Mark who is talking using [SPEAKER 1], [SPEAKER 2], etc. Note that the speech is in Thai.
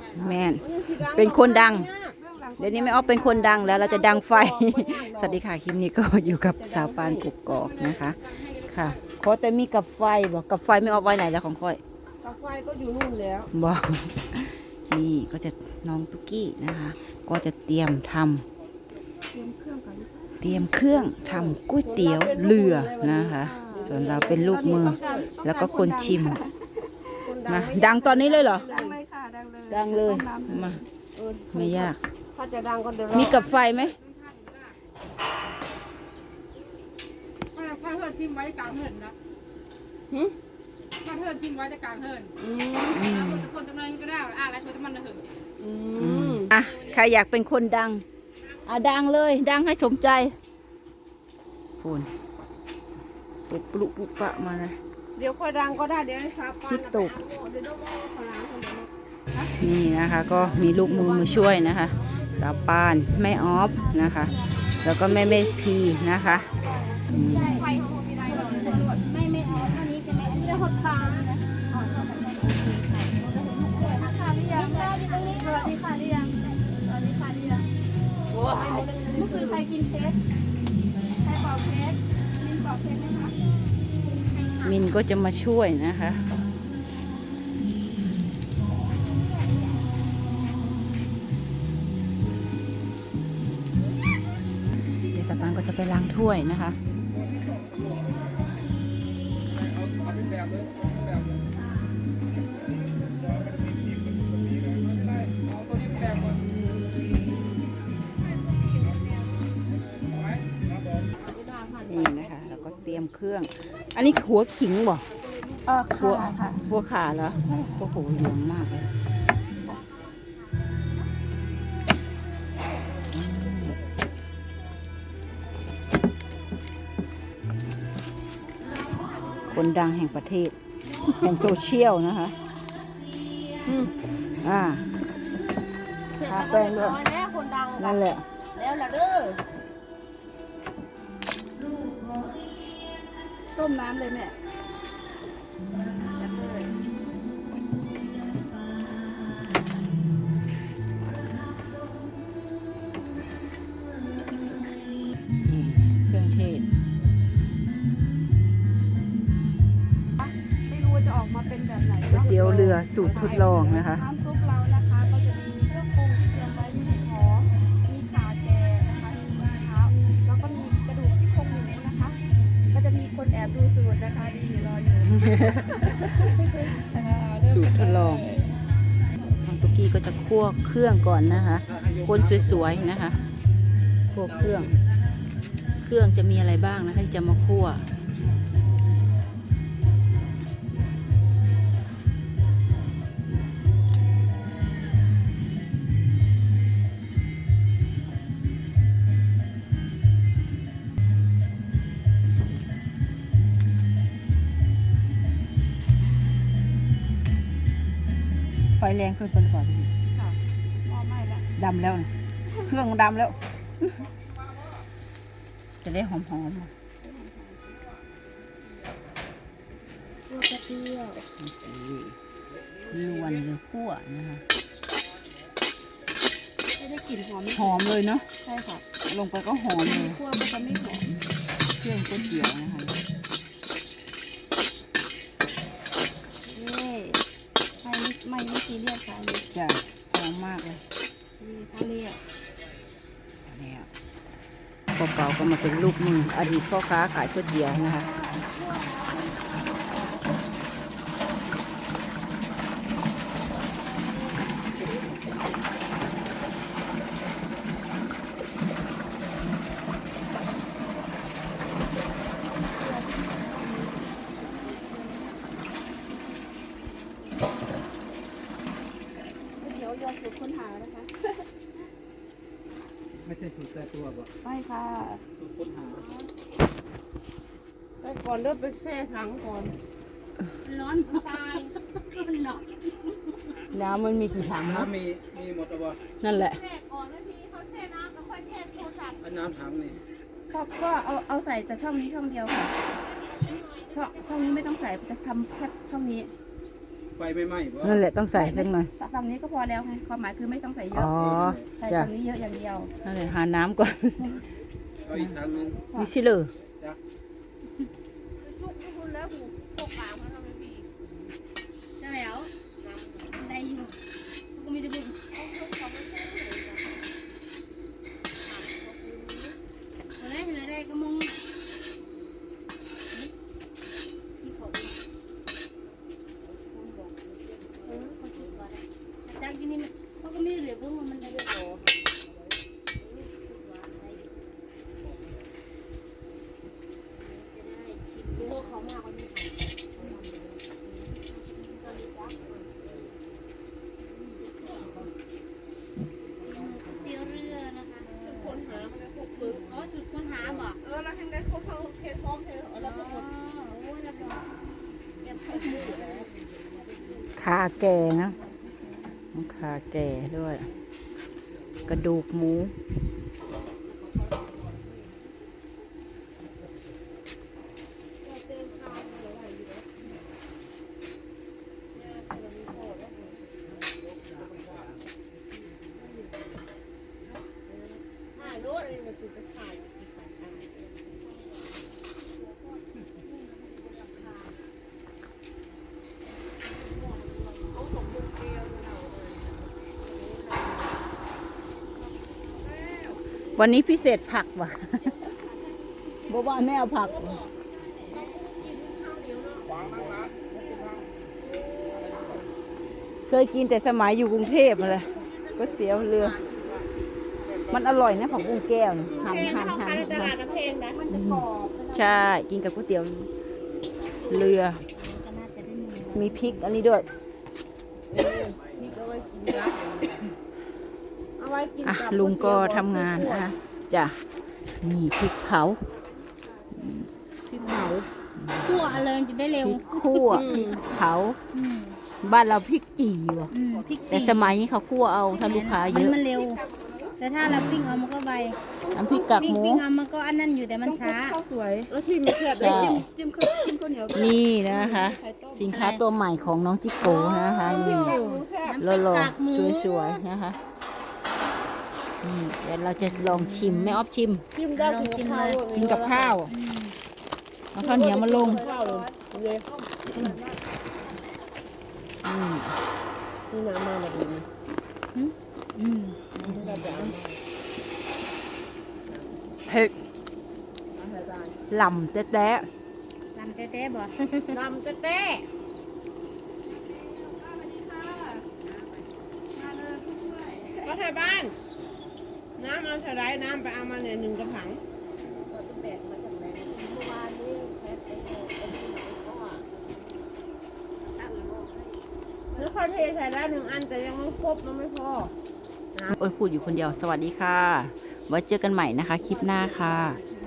[SPEAKER 1] แม่นเป็นคนดังเดี๋ยวนี้ไม่ออฟเป็นคนดังแล้วเราจะดังไฟ สวัสดีค่ะคลิปนี้ก็อยู่กับสาวปานกุกกอกนะคะค่ะขอแต่มีกับไฟบอกกับไฟไม่ออฟไว้ไหนแล้วของค่อย
[SPEAKER 2] กับไฟก็อยู่นู่นแล้ว
[SPEAKER 1] บอกนี่ก็จะน้องตุกกี้นะคะ ก็จะเตรียมทำเตรียมเครื่องทำก๋วยเตี๋ยวเรือนะคะ ส่วนเราเป็นลูกมือแล้วก็คนชิมมาดังตอนนี้เลยเหรอ
[SPEAKER 2] ดังเลยค่ะดังเลย
[SPEAKER 1] ดังเลยมาไม่ยาก
[SPEAKER 2] ถ้าจะดังก็เดี๋ยว
[SPEAKER 1] มีกับไฟไหม
[SPEAKER 3] ถ้าเฮิร์นทิมไว้กลางเฮิร์นนะถ้าเฮิร์นทิมไว้จะกลางเฮิร์นคนจำนวนก็ได้แล้วช่วยมันเฮิร์นสิ
[SPEAKER 1] อ่ะใครอยากเป็นคนดังอ่ะดังเลยดังให้สมใจพูนเปิดปลุกปุปะมาเลย
[SPEAKER 2] เดี๋ยวค่อยดังก็ได้เดี๋ยวให้ซาปาน
[SPEAKER 1] คิดตก
[SPEAKER 2] เดี๋ยวขอล้างคนเดียว
[SPEAKER 1] นี่นะคะก็มีลูกมือมาช่วยนะคะสาวปานแม่ออฟนะคะ แล้วก็แม่พีนะคะอืม
[SPEAKER 4] ไม่เอาเท่านี้ใช่ไหมอันนี้จะหดฟางนะอ๋อค่ะหรือยังอยู่ตรงนี้สวัสดีค่ะหรือยังสวัสดีค่ะหรือยังเมื่อคืนใครกินเค้กใครเป่าเค้กมินเป่าเค้กไหมคะ
[SPEAKER 1] มินก็จะมาช่วยนะคะเดี๋ยวสาวปานก็จะไปล้างถ้วยนะคะ นี่นะคะ แล้วก็เตรียมเครื่อง อันนี้หัวขิงบ่หัว
[SPEAKER 4] ค่ะ
[SPEAKER 1] หัวขาเหรอใช่โอ้โหเหลืองมากเลยคนดังแห่งประเทศ แห่งโซเชียลนะคะทาแป้งด้วย
[SPEAKER 2] แม่คนดัง
[SPEAKER 1] นั่นแหละ
[SPEAKER 2] แล้วล่ะเด้อ
[SPEAKER 4] ต้มน้ำเลยแม่
[SPEAKER 1] นี่เครื่องเทศ
[SPEAKER 4] ไม่รู้ว่าจะออกมาเป็นแบบไหน
[SPEAKER 1] ก๋วยเตี๋ยวเรือสูตรทดลองนะคะ
[SPEAKER 4] น้ำซุปเรานะคะก็จะมีเครื่องปรุงที่เตรียมไว้มีหอมมีข่าแก่นะคะมีมะพร้าวแล้วก็มีกระดูกซี่โครงหมูนะคะ ก็จะมีคนแอบดูสูตรนะคะดีรออยู่
[SPEAKER 1] สูตรทดลองน้องตุกกี้ก็จะคั่วเครื่องก่อนนะคะ คนสวยๆนะคะคั่วเครื่อง เครื่องจะมีอะไรบ้างนะคะที่จะมาคั่ว ไฟแรงขึ้นไปหรือเปล่าพี่
[SPEAKER 4] ค่ะหม้อไหม้แล้ว
[SPEAKER 1] ดำแล้วนะเครื่องดำแล้ว จะได้หอมๆอ่ะ
[SPEAKER 4] ตัวกระเทียม
[SPEAKER 1] ลวนหรือคั่วนะคะ
[SPEAKER 4] ไม่ได้กลิ่นหอม
[SPEAKER 1] หอมเลยเนาะ
[SPEAKER 4] ใช่ค่ะ
[SPEAKER 1] ลงไปก็หอมเลย
[SPEAKER 4] คั่วมันจะไม่หอม
[SPEAKER 1] เครื่องก๋วยเตี๋ยวนะคะ
[SPEAKER 4] นี่ไม่ซีเรียสค่ะอันนี้
[SPEAKER 1] จะหอมมากเลย
[SPEAKER 4] นี่ถ้าเรียก
[SPEAKER 1] แล้วพ่อเก่าก็มาเป็นลูกมืออดีตพ่อค้าขายก๋วยเตี๋ยวนะคะ
[SPEAKER 4] เดี๋ยวเรือสูตรค้นหานะคะ
[SPEAKER 5] ไม่ใช่สูตรแต่ตัวบ่
[SPEAKER 4] ไม่ค่ะ
[SPEAKER 5] สูตรค้นหา
[SPEAKER 2] ไปก่อนเด้อไปแช่ถังก่อน
[SPEAKER 4] ร้อนตายมันหนอก
[SPEAKER 1] น้ำมันมีกี่ถังเนาะ
[SPEAKER 5] น้ำมีหมดแล้วบ่
[SPEAKER 1] นั่นแหละ
[SPEAKER 2] แช่ก่อนแล้วพี่เขาแช่น้ำก็ค่อยแช่โทรศัพท์
[SPEAKER 5] อันน้ำถังนี่
[SPEAKER 4] ก็เอาใส่แต่ช่องนี้ช่องเดียวค่ะช่องนี้ไม่ต้องใส่จะทำแค่ช่องนี้
[SPEAKER 5] ไฟไม่ไหม้เพราะ
[SPEAKER 1] นั่นแหละต้องใส่สักหน่อย
[SPEAKER 4] ฝั่งนี้ก็พอแล้วไงความหมายคือไม่ต้องใส่เย
[SPEAKER 1] อ๋
[SPEAKER 4] อะ
[SPEAKER 1] อ
[SPEAKER 4] ใส่
[SPEAKER 1] จ้ะ
[SPEAKER 4] ฝั่งนี้เยอะอย่างเดียว
[SPEAKER 1] นั่นแหละหาน้ำก่อน
[SPEAKER 5] เอาอีกทางนึง
[SPEAKER 1] มีชิเลอ
[SPEAKER 5] จ้ะ
[SPEAKER 2] สุกคุณแล้วหูพวกปากมันทำไมพี่
[SPEAKER 3] ได้แล้วได้อยู่ก็มีแต่บุญอะไรอะไรก็มองที่เขาจากที่นี่เขาก็ไม่เหลือเบื้องมันได้เยอะ เตี๋ยวเรือนะคะคนหาสุดอ๋อสุดคนหาบ่
[SPEAKER 2] แล้วทางได้เขาเทพร้อมเทแล้วก็หมด
[SPEAKER 3] โอ้ยรับรองเสียบเข้ามือแล้ว
[SPEAKER 1] ขาแก่นะขาแก่ด้วย กระดูกหมู
[SPEAKER 2] ถ่ายรถอะไรมันคือไปถ่ายที่ขายกัน
[SPEAKER 1] วันนี้พิเศษผักว่ะ บอกว่าแม่เอาผักว่ะเคยกินแต่สมัยอยู่กรุงเทพมาเลยก๋วยเตี๋ยวเรือ มันอร่อยนะผักบุ้งแก้วน่ะหั่น
[SPEAKER 2] เพลง
[SPEAKER 1] หั่น
[SPEAKER 2] เขา
[SPEAKER 1] หั่
[SPEAKER 2] ขาย
[SPEAKER 1] น
[SPEAKER 2] ในตลาดน้ำเพลงนะมันจะกรอบ
[SPEAKER 1] ใช่ กินกับก๋วยเตี๋ยวเรือ
[SPEAKER 3] ก็น่าจะได้มือ
[SPEAKER 1] มีพริกอันนี้ด้วย
[SPEAKER 2] พี่ก็ไว้กินนะเอาไว้กิน
[SPEAKER 1] อ่ะ
[SPEAKER 2] กับ
[SPEAKER 1] ลุงก็ทำงานจ้ะนี่พริกเผา
[SPEAKER 2] พริกเผา
[SPEAKER 3] คั่วเลยจะได้
[SPEAKER 1] พ
[SPEAKER 3] เร็ว
[SPEAKER 1] ริกคั่วพริกเผา บ้านเราพริกจี่ว่ะ
[SPEAKER 3] พริก
[SPEAKER 1] แต่สมัยนี้เขาคั่วเอาถ้าลูกค้าเยอะ
[SPEAKER 3] มันเร็ว แต่ถ้าเราปิ้งเอามันก็ไว
[SPEAKER 1] น้ำพริกกากหมู
[SPEAKER 3] ปิ้งเอามันก็อันนั้นอยู่แต่มันช้า
[SPEAKER 4] ข้าวสวย
[SPEAKER 2] แล้วที่มีแคบ
[SPEAKER 1] ใช่
[SPEAKER 4] จิ้มข้าวเหนียว
[SPEAKER 1] นี่นะคะ สินค้าตัวใหม่ของน้องจิโก้นะคะนี่
[SPEAKER 2] หมูแคบ
[SPEAKER 1] หล่อก
[SPEAKER 3] ากหมู
[SPEAKER 1] ๆสวยๆนะคะนี่เดี๋ยวเราจะลองชิมแม่ออฟชิม
[SPEAKER 2] จิ้มได้กินข้าว
[SPEAKER 1] กินกับข้าวเอาข้าวเหนียวมาลง
[SPEAKER 2] ข้าวเลย
[SPEAKER 1] อืม
[SPEAKER 2] นี่น้ำมาดีนะ
[SPEAKER 1] เผ็ดหล่ำแต๊ะ
[SPEAKER 3] ลำเต้ๆบ่
[SPEAKER 2] น้ำเต้ก็ไทยบ้าน น้ำเอาเท่าไรน้ำไปเอามาเนี่ย1 กระถางหรือเขาเทใส่ได้1 อันแต่ยังไม่ครบมันไม่พอ
[SPEAKER 1] โอ้ยพูดอยู่คนเดียวสวัสดีค่ะ ไว้เจอกันใหม่นะคะ คลิปหน้าค่ะ